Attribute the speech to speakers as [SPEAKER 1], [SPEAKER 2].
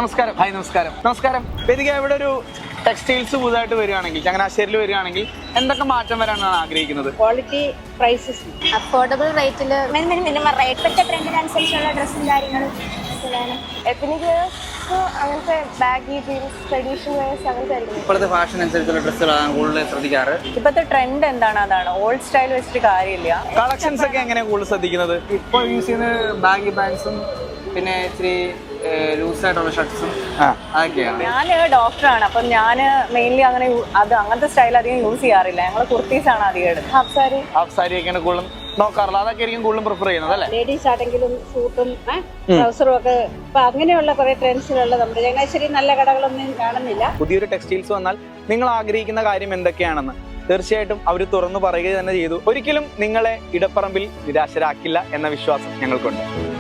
[SPEAKER 1] നമസ്കാരം. ഹായ്, നമസ്കാരം. നമസ്കാരം. വേദിക, ഇവിടെ ഒരു ടെക്സ്റ്റൈൽസ് പുതുതായിട്ട് വരികയാണെങ്കിൽ, ചങ്ങനാശ്ശേരിയിൽ വരികയാണെങ്കിൽ എന്തൊക്കെ മാറ്റം വരാനാണ് ആഗ്രഹിക്കുന്നത്?
[SPEAKER 2] ക്വാളിറ്റി, പ്രൈസസ്,
[SPEAKER 3] അഫോർഡബിൾ റേറ്റിൽ മിനിമം റേറ്റ്. ഇപ്പോഴത്തെ ട്രെൻഡിനനുസരിച്ചുള്ള ഡ്രസ്സും കാര്യങ്ങളും
[SPEAKER 2] എത്നിക് അങ്ങനത്തെ ബാഗി ജീൻസ്, ട്രഡീഷണൽ വെയർസ് അങ്ങനത്തെ ആയിരിക്കും.
[SPEAKER 1] ഇപ്പോഴത്തെ ഫാഷൻ അനുസരിച്ചുള്ള ഡ്രസ്സുകളാണ് കൂടുതൽ ശ്രദ്ധിക്കാറ്.
[SPEAKER 2] ഇപ്പോഴത്തെ ട്രെൻഡ് എന്താണ്, അതാണ്. ഓൾഡ് സ്റ്റൈൽ വെച്ചിട്ട് കാര്യമില്ല.
[SPEAKER 1] കളക്ഷൻസ് ഒക്കെ എങ്ങനെയാണ് കൂടുതൽ ശ്രദ്ധിക്കുന്നത്?
[SPEAKER 4] ഇപ്പോൾ യൂസ് ചെയ്യുന്ന ബാഗി പാൻസും പിന്നെ ഇച്ചിരി ലൂസായിട്ടുള്ള ഷർട്ട്സും അതൊക്കെയാണ്.
[SPEAKER 2] ഞാൻ ഡോക്ടറാണ്, അപ്പം ഞാൻ മെയിൻലി അങ്ങനെ അങ്ങനത്തെ സ്റ്റൈൽ അധികം യൂസ് ചെയ്യാറില്ല. ഞങ്ങൾ കുർത്തീസാണ് അധികം എടുക്കുന്നത്.
[SPEAKER 1] ഹാഫ് സാരി ഒക്കെയാണ് കൂടുതലും നോക്കാറുള്ളത്. അതൊക്കെ ആയിരിക്കും കൂടുതലും പ്രിഫർ ചെയ്യുന്നത് അല്ലേ?
[SPEAKER 2] ലേഡീസ് ആണെങ്കിലും സൂട്ടും ട്രൗസറും ഒക്കെ ഇപ്പൊ അങ്ങനെയുള്ള കുറെ ട്രെൻഡ്സിലുള്ള നമ്മുടെ ചങ്ങനാശ്ശേരി നല്ല കടകളൊന്നും കാണുന്നില്ല.
[SPEAKER 1] പുതിയൊരു ടെക്സ്റ്റൈൽസ് വന്നാൽ നിങ്ങൾ ആഗ്രഹിക്കുന്ന കാര്യം എന്തൊക്കെയാണെന്ന് തീർച്ചയായിട്ടും അവർ തുറന്നു പറയുക തന്നെ ചെയ്തു. ഒരിക്കലും നിങ്ങളെ ഇടപ്പറമ്പിൽ നിരാശരാക്കില്ല എന്ന വിശ്വാസം ഞങ്ങൾക്കുണ്ട്.